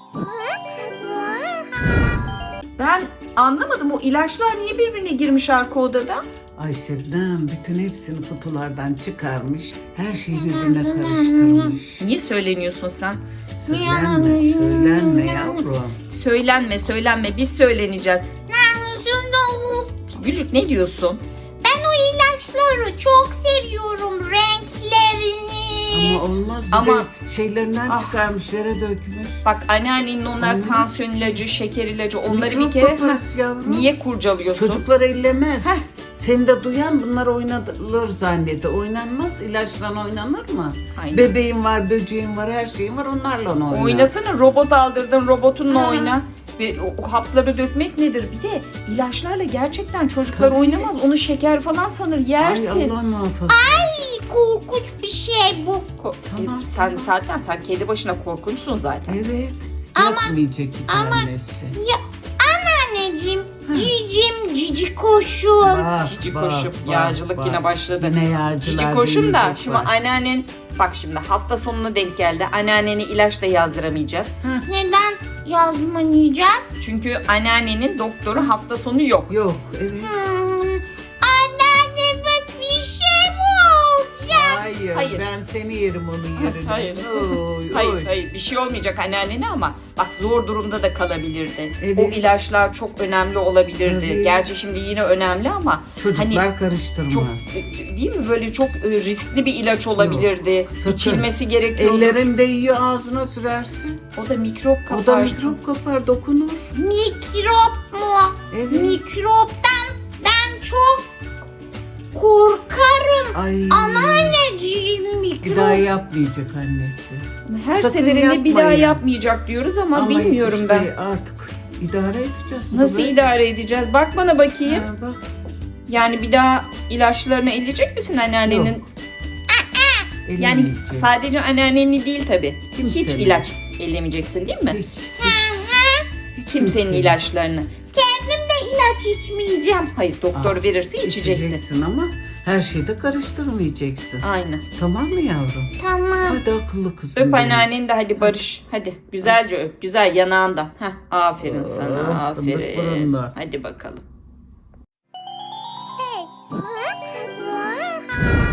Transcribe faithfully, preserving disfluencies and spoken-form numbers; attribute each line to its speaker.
Speaker 1: Ben anlamadım, o ilaçlar niye birbirine girmiş arka odada?
Speaker 2: Ay Şebnem bütün hepsini kutulardan çıkarmış. Her şeyi birbirine karıştırmış.
Speaker 1: Niye söyleniyorsun sen?
Speaker 2: Söylenme, söylenme yavrum.
Speaker 1: Söylenme, söylenme. Biz söyleneceğiz. Gülcük ne diyorsun?
Speaker 3: Ben o ilaçları çok seviyorum, renklerini.
Speaker 2: Ama olmaz. Bir
Speaker 1: Ama-
Speaker 2: de şeylerinden
Speaker 1: Ah.
Speaker 2: çıkarmış, yere dökmüş.
Speaker 1: Bak anneannenin onlar
Speaker 2: Olmaz
Speaker 1: tansiyon
Speaker 2: ki.
Speaker 1: ilacı, şeker ilacı, onları
Speaker 2: Mikrop
Speaker 1: bir kere...
Speaker 2: kaparız
Speaker 1: Heh,
Speaker 2: yavrum.
Speaker 1: niye kurcalıyorsun?
Speaker 2: Çocuklar ellemez.
Speaker 1: Heh.
Speaker 2: Seni de duyan bunlar oynanır zannediyor. Oynanmaz. İlaçla oynanır mı?
Speaker 1: Aynen.
Speaker 2: Bebeğin var, böceğin var, her şeyin var. Onlarla oynar.
Speaker 1: Oynasana, robot aldırdın, robotunla
Speaker 2: Ha.
Speaker 1: oyna. Ve o, o hapları dökmek nedir? Bir de ilaçlarla gerçekten çocuklar
Speaker 2: Tabii.
Speaker 1: oynamaz. Onu şeker falan sanır,
Speaker 2: Ay
Speaker 1: yersin.
Speaker 2: Allah muhafaza.
Speaker 3: Ay, korkunç bir şey bu.
Speaker 1: Ko-
Speaker 2: Tamam,
Speaker 1: e, sen
Speaker 2: tamam.
Speaker 1: zaten sen kedi başına korkunçsun zaten.
Speaker 2: Evet.
Speaker 3: Ama-
Speaker 2: Yapmayacak bir
Speaker 3: ama-
Speaker 2: tanesi.
Speaker 3: Ya anneciğim, cicim, cici koşum.
Speaker 2: Bak,
Speaker 1: Cici
Speaker 2: bak,
Speaker 1: koşum,
Speaker 2: bak,
Speaker 1: yağcılık
Speaker 2: bak.
Speaker 1: yine başladı.
Speaker 2: Yine yağcılar
Speaker 1: Cici koşum da
Speaker 2: dinleyecek
Speaker 1: şimdi
Speaker 2: bak.
Speaker 1: anneannen, bak şimdi hafta sonuna denk geldi. Anneanneni ilaçla yazdıramayacağız.
Speaker 3: Neden yazmayacağım?
Speaker 1: Çünkü anneannenin doktoru hafta sonu yok.
Speaker 2: Yok, evet.
Speaker 3: Hmm, anneanneme bir şey mi olacak?
Speaker 2: Hayır,
Speaker 1: Hayır.
Speaker 2: ben seni yerim onun yerine.
Speaker 1: Hayır.
Speaker 2: Oy,
Speaker 1: Hayır
Speaker 2: oy.
Speaker 1: hayır bir şey olmayacak anneannene ama bak zor durumda da kalabilirdi.
Speaker 2: Evet.
Speaker 1: O ilaçlar çok önemli olabilirdi.
Speaker 2: Tabii.
Speaker 1: Gerçi şimdi yine önemli ama
Speaker 2: Çocuklar
Speaker 1: hani
Speaker 2: karıştırmaz.
Speaker 1: çok değil mi böyle çok e, riskli bir ilaç olabilirdi.
Speaker 2: sakın.
Speaker 1: İçilmesi gerekiyordu.
Speaker 2: Ellerin değiyor ağzına sürersin.
Speaker 1: O da mikrop
Speaker 2: O da
Speaker 1: kaparsın.
Speaker 2: mikrop kapar, dokunur.
Speaker 3: Mikrop mu?
Speaker 2: Evet.
Speaker 3: Mikroptan ben çok korkarım.
Speaker 2: Ay.
Speaker 3: Anneciğim,
Speaker 2: Bir
Speaker 3: mikrop.
Speaker 2: daha yapmayacak annesi.
Speaker 1: Her
Speaker 2: Sakın
Speaker 1: seferinde bir daha
Speaker 2: yapmayın.
Speaker 1: yapmayacak diyoruz ama, bilmiyorum
Speaker 2: işte
Speaker 1: ben.
Speaker 2: artık idare edeceğiz.
Speaker 1: Nasıl
Speaker 2: Böyle.
Speaker 1: idare edeceğiz? Bak bana bakayım.
Speaker 2: Ha, bak.
Speaker 1: Yani bir daha ilaçlarını elleyecek misin anneannenin?
Speaker 2: Yok.
Speaker 1: Yani
Speaker 2: Ellemeyecek.
Speaker 1: sadece anneanneni değil tabii.
Speaker 2: Kimsenin.
Speaker 1: Hiç ilaç ellemeyeceksin değil mi?
Speaker 2: Hiç. Hiç. Hiç
Speaker 1: Kimsenin
Speaker 2: kimsenin.
Speaker 1: ilaçlarını.
Speaker 3: Kendim de ilaç içmeyeceğim.
Speaker 1: Hayır doktor
Speaker 2: Aa,
Speaker 1: verirse içeceksin.
Speaker 2: İçeceksin ama her şeyi de karıştırmayacaksın.
Speaker 1: Aynen.
Speaker 2: Tamam mı yavrum?
Speaker 3: Tamam.
Speaker 2: Hadi akıllı kızım.
Speaker 1: Öp
Speaker 2: benim.
Speaker 1: anneanneni de hadi barış. Hadi güzelce öp. Güzel yanağından. Heh, aferin sana
Speaker 2: Oh, fındık
Speaker 1: aferin.
Speaker 2: burunlu.
Speaker 1: Hadi bakalım.
Speaker 3: Hey.